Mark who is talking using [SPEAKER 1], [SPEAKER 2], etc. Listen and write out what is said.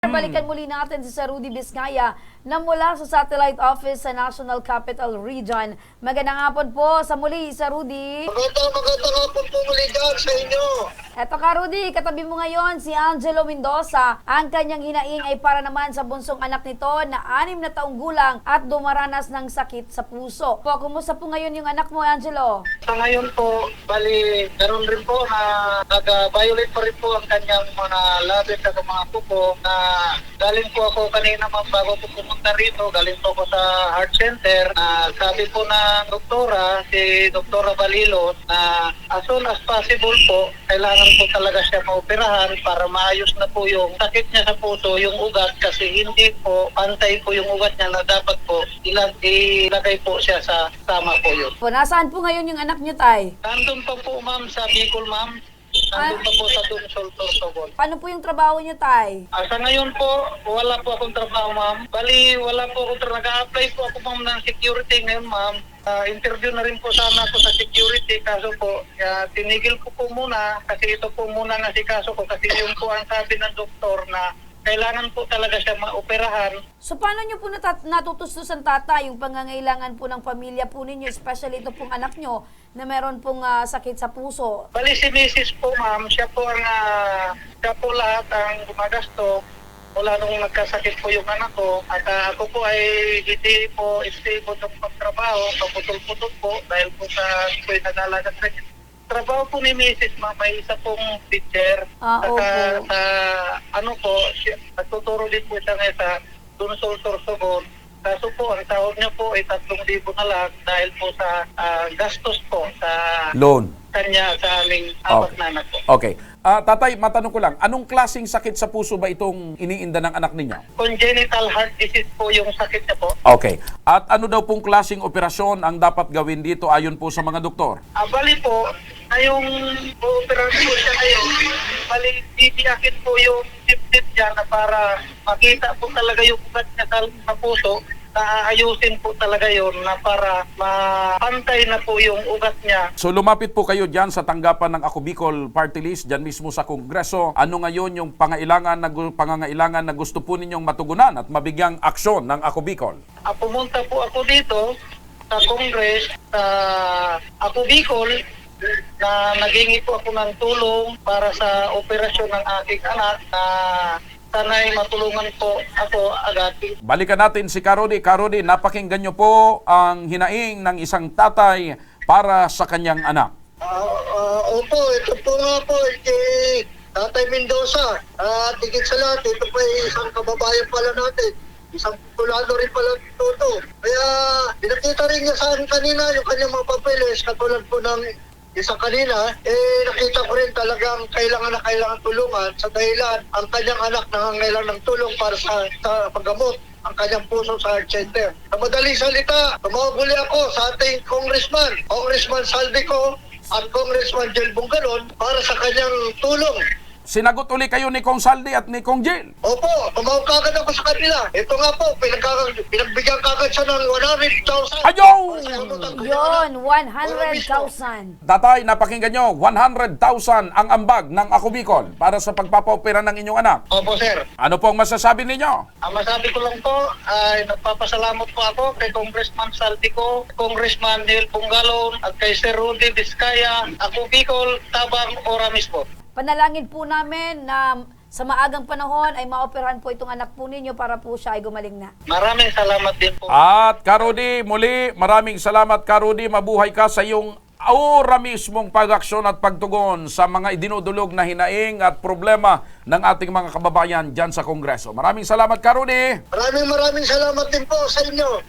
[SPEAKER 1] Balikan muli natin si Sir Rudy Vizcaya na mula sa Satellite Office sa National Capital Region. Magandang hapon po sa muli, Sir Rudy.
[SPEAKER 2] Magandang hapon po muli dyan sa inyo.
[SPEAKER 1] Eto ka, Rudy, katabi mo ngayon si Angelo Mendoza. Ang kanyang hinaing ay para naman sa bunsong anak nito na 6 na taong gulang at dumaranas ng sakit sa puso. Po, kumusta po ngayon yung anak mo, Angelo?
[SPEAKER 2] Sa ngayon po, bali, meron rin po na nag-violate pa rin po ang kanyang mga labit at mga kuko na galing po ako kanina bago po pumunta rito, galing po ako sa heart center. Sabi po ng doktora, si Doktora Balilos, na as soon as possible po, kailangan po talaga siya maoperahan para maayos na po yung sakit niya sa puso, yung ugat, kasi hindi po pantay po yung ugat niya na dapat po ilagay po siya sa tama po yun.
[SPEAKER 1] Po, nasaan po ngayon yung anak niyo, Tay?
[SPEAKER 2] Nandun pa po ma'am sa Bicol ma'am. Nandun pa po sa Dunsol, Sorsogon.
[SPEAKER 1] Paano po yung trabaho niyo, Tay?
[SPEAKER 2] Sa ngayon po, wala po akong trabaho ma'am. Bali, wala po akong trabaho. Nag-a-apply po ako ma'am ng security ngayon ma'am. Interview na rin po sana ako sa security, kaso po tinigil ko po muna kasi ito po muna na si kaso ko kasi yung po ang sabi ng doktor na kailangan po talaga siya maoperahan.
[SPEAKER 1] So paano niyo po natutustusan, tata, yung pangangailangan po ng pamilya po ninyo, especially ito pong anak niyo na meron pong sakit sa puso?
[SPEAKER 2] Bali si Mrs. po ma'am, siya po lahat ang gumagasto mula nung nagkasakit po yung anak ko, at ako po ay hindi po stable ng pagtrabaho, paputol-putol po dahil po sa po ay nag-alaga sa trabaho po ni Mrs. Ma'am, may isa pong teacher.
[SPEAKER 1] Opo.
[SPEAKER 2] Nagtuturo din po siya ngayon sa Dunsol, Sorsogon. Kaso po, ang sahod niya po ay 3,000 na lang dahil po sa gastos po sa
[SPEAKER 3] Loan.
[SPEAKER 2] kanya sa aming apat na anak po.
[SPEAKER 3] Okay. Tatay, matanong ko lang, anong klaseng sakit sa puso ba itong iniinda ng anak ninyo?
[SPEAKER 2] Congenital heart disease po yung sakit niya po.
[SPEAKER 3] Okay. At ano daw pong klaseng operasyon ang dapat gawin dito ayon po sa mga doktor?
[SPEAKER 2] Bali po, ngayong operasyon po siya ngayon, bali titiyakin po yung tip-tip niya na para makita po talaga yung ugat niya sa puso, na ayusin po talaga yon na para mapantay na po yung ugat niya.
[SPEAKER 3] So lumapit po kayo dyan sa tanggapan ng Ako Bicol Party List, dyan mismo sa Kongreso. Ano ngayon yung pangangailangan na gusto po ninyong matugunan at mabigyang aksyon ng Ako Bicol?
[SPEAKER 2] Pumunta po ako dito sa Congress, sa Ako Bicol, na naghingi po ako ng tulong para sa operasyon ng aking anak na sana'y matulungan po ako agad.
[SPEAKER 3] Balikan natin si Karudi. Karudi, napakinggan nyo po ang hinaing ng isang tatay para sa kanyang anak.
[SPEAKER 2] Opo, ito po nga po, kay Tatay Mendoza. Tigit sa lahat, ito po ay isang kababayan pala natin. Isang populado rin pala ito. Kaya pinakita rin niya sa akin kanina yung kanyang mga papeles, katulad po ng isa kanina, nakita ko rin talagang kailangan tulungan sa dahilan ang kanyang anak nangangailangan ng tulong para sa paggamot ang kanyang puso sa heart center. Sa madaling salita, tumawag uli ako sa ating Congressman Saldico at Congressman Jel Bungalon para sa kanyang tulong.
[SPEAKER 3] Sinagot uli kayo ni Kong Saldi at ni Kong Jill.
[SPEAKER 2] Opo, tumawag kagad ako sa kanila. Ito nga po, pinagbigyan kagad siya ng 100,000.
[SPEAKER 3] Ayaw!
[SPEAKER 1] Yun, 100,000.
[SPEAKER 3] Tatay, napakinggan nyo, 100,000 ang ambag ng Ako Bicol para sa pagpapaopera ng inyong anak.
[SPEAKER 2] Opo, sir.
[SPEAKER 3] Ano po ang masasabi ninyo?
[SPEAKER 2] Ang masabi ko lang po ay nagpapasalamat po ako kay Congressman Saltico, Congressman Neil Bungalon at kay Sir Rudy Vizcaya, Ako Bicol, Tabang, Oramis po.
[SPEAKER 1] Panalangin po namin na sa maagang panahon ay maoperahan po itong anak po ninyo para po siya ay gumaling na.
[SPEAKER 2] Maraming salamat din po.
[SPEAKER 3] At Karudi, muli, maraming salamat Karudi. Mabuhay ka sa iyong aura mismong pag-aksyon at pagtugon sa mga idinudulog na hinaing at problema ng ating mga kababayan dyan sa Kongreso. Maraming salamat Karudi.
[SPEAKER 2] Maraming salamat din po sa inyo.